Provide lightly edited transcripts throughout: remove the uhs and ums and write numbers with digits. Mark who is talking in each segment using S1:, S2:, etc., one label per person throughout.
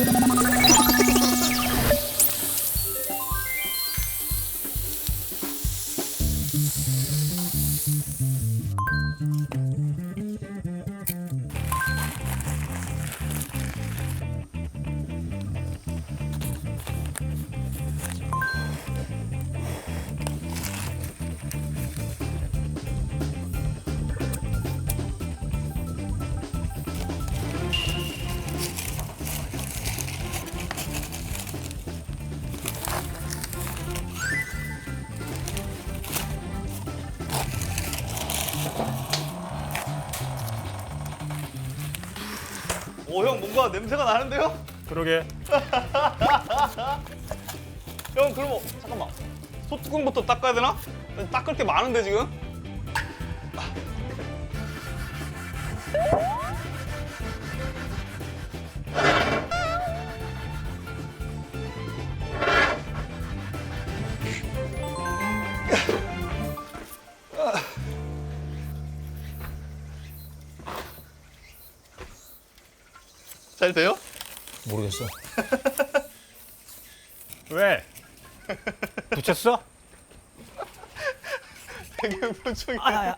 S1: 오, 형 뭔가 냄새가 나는데요?
S2: 그러게.
S1: 형 그럼 잠깐만. 소뚜껑부터 닦아야 되나? 닦을 게 많은데 지금? 잘 돼요?
S3: 모르겠어.
S2: 왜? 붙였어?
S1: 되게 표정이.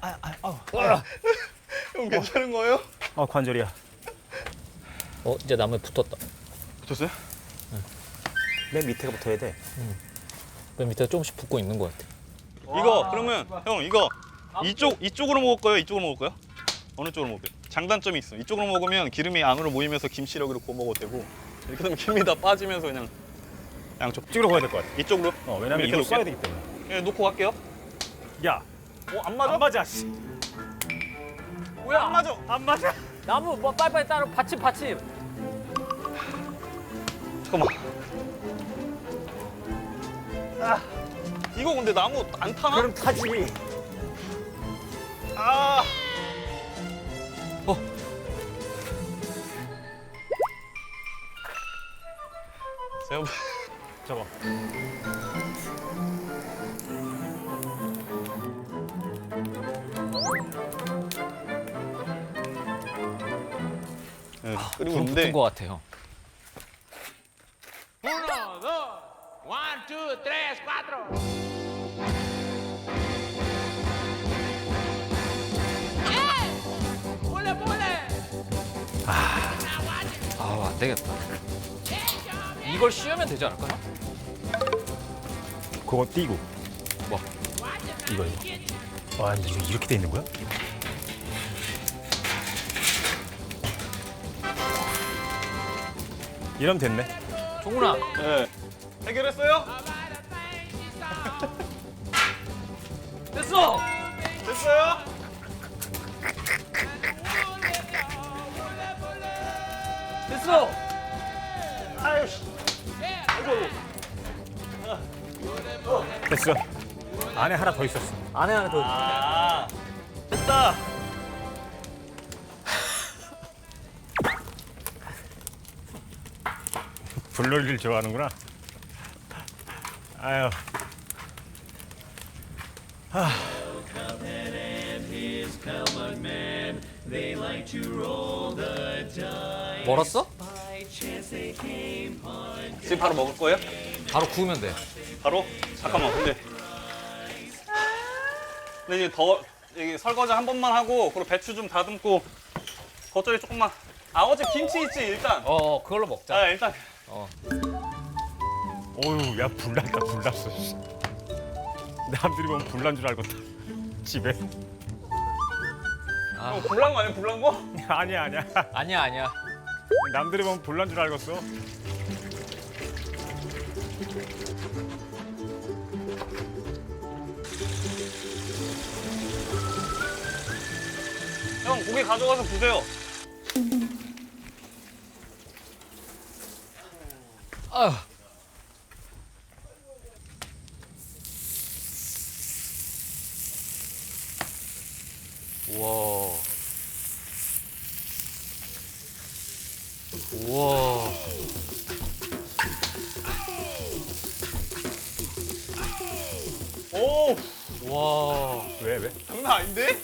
S1: 형 괜찮은 거예요?
S2: 관절이야.
S3: 이제 나무에 붙었다.
S1: 붙었어요?
S2: 맨 밑에가 붙어야 돼.
S3: 맨 밑에 조금씩 붙고 있는 것 같아.
S1: 이거 그러면 형 이거 이쪽으로 먹을 거예요? 이쪽으로 먹을 거예요? 어느 쪽으로 먹을까요? 장단점이 있어. 이쪽으로 먹으면 기름이 안으로 모이면서 김치를 여기로 구워 먹어도 되고, 이렇게 되면 김이 다 빠지면서 그냥 양쪽
S2: 찍으러 가야 될 것 같아.
S1: 이쪽으로.
S2: 왜냐면
S1: 이렇게
S2: 이거 써야
S1: 놓을게요.
S2: 되기 때문에.
S1: 예, 놓고 갈게요.
S2: 야,
S1: 안 맞아?
S2: 안 맞아. 씨.
S3: 뭐야?
S1: 안 맞아.
S2: 안 맞아.
S3: 나무 뭐 빨리빨리 따로 받침.
S1: 잠깐만. 이거 근데 나무 안 타나?
S2: 그럼 타지.
S1: 아. 제가
S2: 잡아.
S1: 네, 끓이고
S3: 불
S1: 있는데
S3: 붙은 것 같아요.
S4: Uno, dos, one, two, tres, cuatro. ¡Pule, pule!
S3: 안 되겠다. 이걸 씌우면 되지 않을까요?
S2: 그거 띄고.
S3: 뭐?
S2: 이거. 아니, 이거 이렇게 돼 있는 거야? 이러면 됐네.
S3: 종훈아,
S1: 네. 해결했어요?
S3: 됐어!
S1: 됐어요?
S3: 됐어!
S1: 아유 씨.
S2: 됐어. 안에 하나 더 있었어.
S3: 안에 하나 더.
S1: 아. 됐다.
S2: 불놀이를 좋아하는구나. 아유.
S3: 멀었어?
S1: 지금 바로 먹을 거예요?
S3: 바로 구우면 돼.
S1: 바로? 잠깐만. 근데 이제 이게 설거지 한 번만 하고, 그리고 배추 좀 다듬고, 겉절이 조금만. 어제 김치 있지 일단.
S3: 그걸로 먹자.
S1: 일단.
S2: 어휴, 야, 불났다, 불났어. 씨. 남들이 보면 불난 줄 알겠다. 집에.
S1: 불난 거 아니야? 불난 거?
S2: 아니야, 아니야.
S3: 아니야.
S2: 남들이 보면 불난 줄 알겠어.
S1: 형 고기 가져가서 구세요.
S3: 아휴. 우와. 우와.
S1: 오,
S3: 와.
S2: 왜?
S1: 장난 아닌데?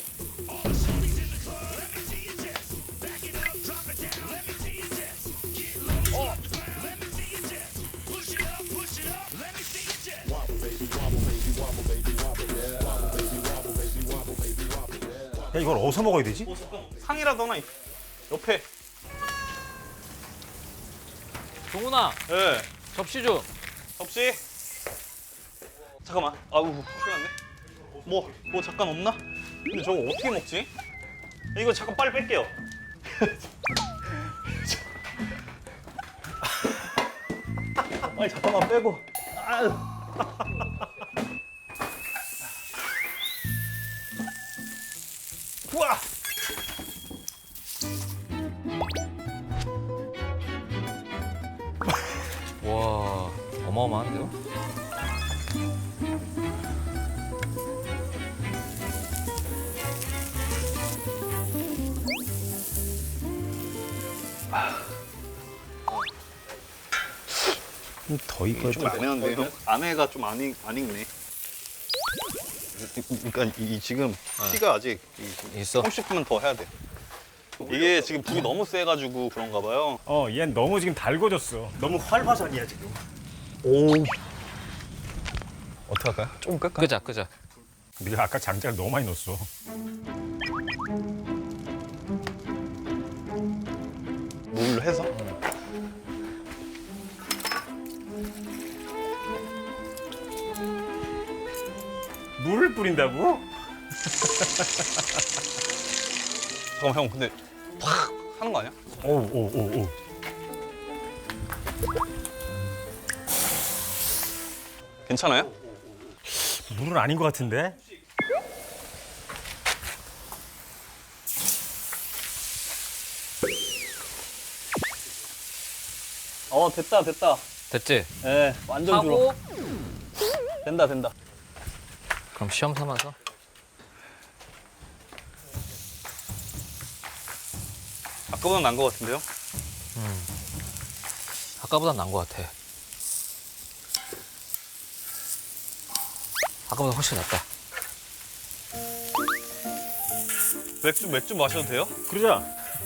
S2: 야 이걸 어디서 먹어야 되지?
S1: 상이라도 하나 옆에.
S3: 종훈아,
S1: 예.
S3: 접시 좀.
S1: 접시. 잠깐만. 아우 큰일 났네. 뭐 잠깐 없나? 근데 저거 어떻게 먹지? 이거 잠깐 빨리 뺄게요. 아니 잠깐만 빼고. 아유. 우와.
S3: 와, 어마어마한데요?
S2: 더 익어야
S1: 좀 애매한데 형? 안에가 좀 안 익네. 그러니까 이 지금 피가 아직
S3: 있어.
S1: 30분만 더 해야 돼. 이게 지금 불이 너무 세가지고 그런가 봐요.
S2: 얘는 너무 지금 달궈졌어. 너무 활화산이야 지금.
S1: 오. 어떻게 할까요? 조금 끌까요?
S3: 끄자.
S2: 네가 아까 장작을 너무 많이 넣었어.
S1: 물로 해서?
S2: 물을 뿌린다고?
S1: 잠깐만 형 근데 팍 하는 거 아니야?
S2: 오.
S1: 괜찮아요?
S2: 물은 아닌 것 같은데?
S1: 됐다.
S3: 됐지?
S1: 예, 완전
S3: 하고
S1: 된다.
S3: 그럼 시험 삼아서
S1: 아까보다 난 거 같은데요?
S3: 아까보다 난 것 같아. 아까보다 훨씬 낫다.
S1: 맥주 마셔도 돼요?
S2: 그러자.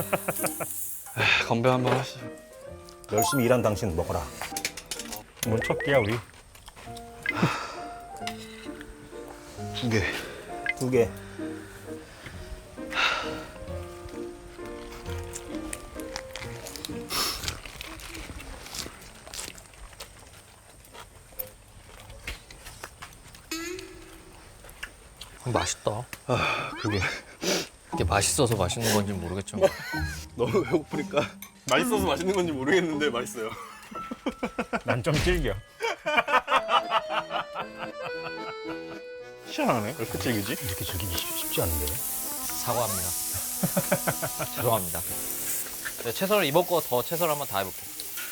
S1: 건배 한번 하시죠.
S2: 열심히 일한 당신 먹어라. 뭐 첫 끼야 우리.
S1: 2개.
S2: 2개.
S3: 맛있다.
S1: 그게
S3: 이게 맛있어서 맛있는 건지 모르겠지만
S1: 너무 배고프니까 맛있어서 맛있는 건지 모르겠는데 맛있어요.
S2: 난 좀 질겨.
S1: 희한하네. 왜 이렇게 질기지?
S2: 이렇게 즐기기 쉽지 않은데.
S3: 사과합니다. 죄송합니다. 네, 채소를 이번 거 더 채소를 한번 다 해볼게.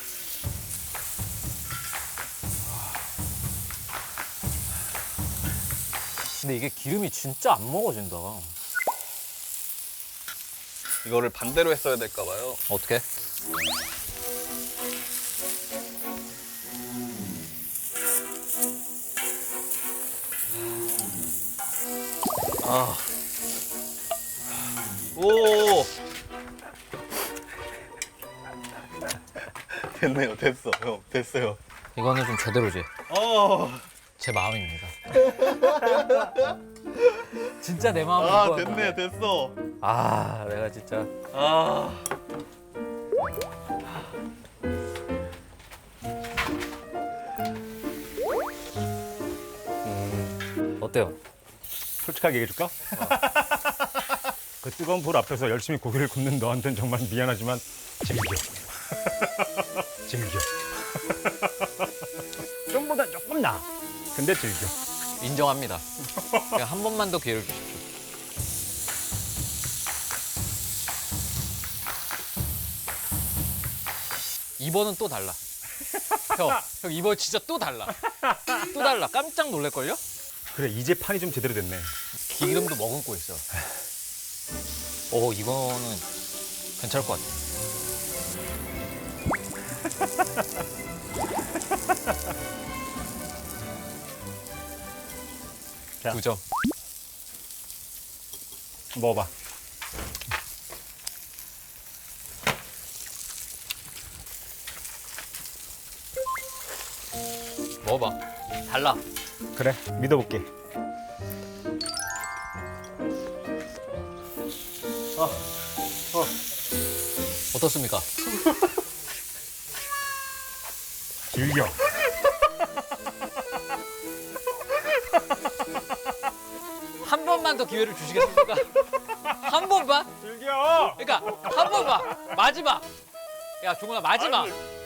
S3: 근데 이게 기름이 진짜 안 먹어진다.
S1: 이거를 반대로 했어야 될까 봐요.
S3: 어떻게?
S1: 오. 됐네요. 됐어. 형. 됐어요.
S3: 이거는 좀 제대로지. 제 마음입니다. 진짜 내 마음인 거 같아.
S1: 됐네. 됐어.
S3: 아, 내가 진짜. 어때요?
S2: 솔직하게 얘기해줄까? 그 뜨거운 불 앞에서 열심히 고기를 굽는 너한테는 정말 미안하지만 즐겨. 즐겨. 좀보다 조금 나. 근데 즐겨.
S3: 인정합니다. 그냥 한 번만 더 기회를 주십시오. 이번은 또 달라. 형 이번 진짜 또 달라. 또 달라. 깜짝 놀랄걸요?
S2: 그래 이제 판이 좀 제대로 됐네.
S3: 기름도 머금고 있어. 이거는 괜찮을 것 같아.
S2: 자.
S3: 9점.
S2: 먹어봐.
S3: 먹어봐. 달라.
S2: 그래 믿어볼게.
S3: 어떻습니까?
S2: 즐겨.
S3: 한 번만 더 기회를 주시겠습니까? 한 번만?
S2: 즐겨.
S3: 그러니까 한 번만 마지막. 야 종훈아 마지막.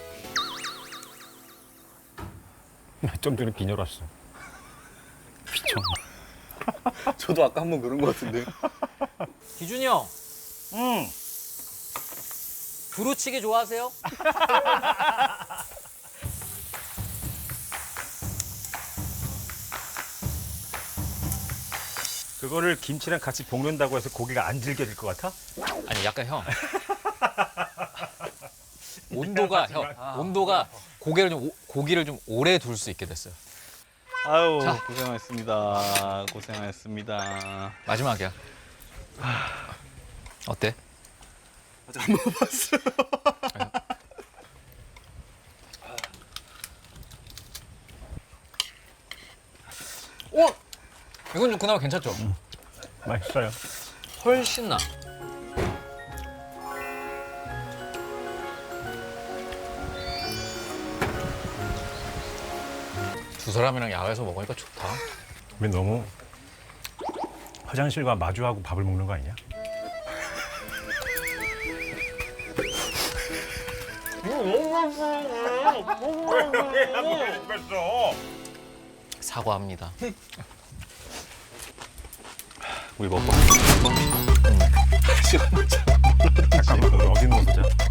S2: 좀 전에 빈혈 왔어.
S1: 미쳤나? 저도 아까 한번 그런 것 같은데.
S3: 기준이 형
S2: 응.
S3: 두루치기 좋아하세요?
S2: 그거를 김치랑 같이 볶는다고 해서 고기가 안 질겨질 것 같아?
S3: 아니 약간 형 온도가 온도가 고기를 좀 오래 둘 수 있게 됐어요.
S1: 아유
S3: 자.
S1: 고생하셨습니다. 고생하셨습니다.
S3: 마지막이야. 어때?
S1: 아직 안 먹어봤어요.
S3: 오! 이건 좀 그나마 괜찮죠?
S2: 맛있어요.
S3: 훨씬 나. 두 사람이랑 야외에서 먹으니까 좋다.
S2: 왜 너무 화장실과 마주하고 밥을 먹는 거 아니냐?
S3: 사과합니다.
S1: 우리 먹고.
S2: 잠깐만, 어디 넣어보자.